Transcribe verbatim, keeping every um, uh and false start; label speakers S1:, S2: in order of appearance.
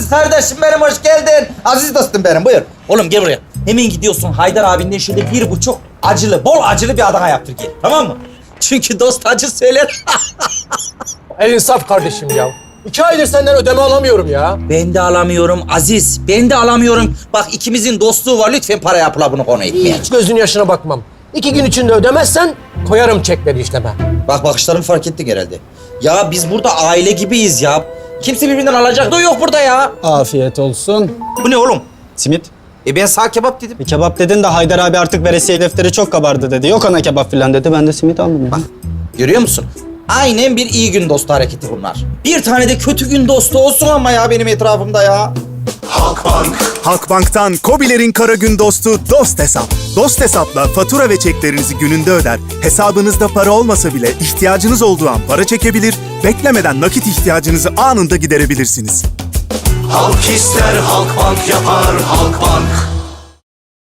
S1: Aziz kardeşim benim, hoş geldin. Aziz dostum benim, buyur. Oğlum gel buraya. Hemen gidiyorsun Haydar abinden şöyle bir buçuk acılı, bol acılı bir Adana yaptır gel. Tamam mı? Çünkü dost acı söyler.
S2: El insaf kardeşim ya. İki aydır senden ödeme alamıyorum ya.
S1: Ben de alamıyorum Aziz. Ben de alamıyorum. Bak ikimizin dostluğu var. Lütfen para yapıla bunu konu etmeye.
S2: Hiç gözün yaşına bakmam. İki gün içinde ödemezsen koyarım çekleri işleme.
S1: Bak bakışlarımı fark ettin herhalde. Ya biz burada aile gibiyiz ya. Kimse birbirinden alacak da yok burada ya.
S3: Afiyet olsun.
S1: Bu ne oğlum?
S3: Simit.
S1: E ben sağ kebap dedim.
S3: Bir kebap dedin de Haydar abi artık veresiye defteri çok kabardı dedi. Yok ana kebap filan dedi. Ben de simit aldım.
S1: Bak görüyor musun? Aynen bir iyi gün dostu hareketi bunlar. Bir tane de kötü gün dostu olsun ama ya benim etrafımda ya.
S4: Halkbank. Halkbank'tan KOBİ'lerin kara gün dostu Dost Hesap. Dost Hesap'la fatura ve çeklerinizi gününde öder, hesabınızda para olmasa bile ihtiyacınız olduğu an para çekebilir, beklemeden nakit ihtiyacınızı anında giderebilirsiniz.
S5: Halk ister Halkbank yapar Halkbank.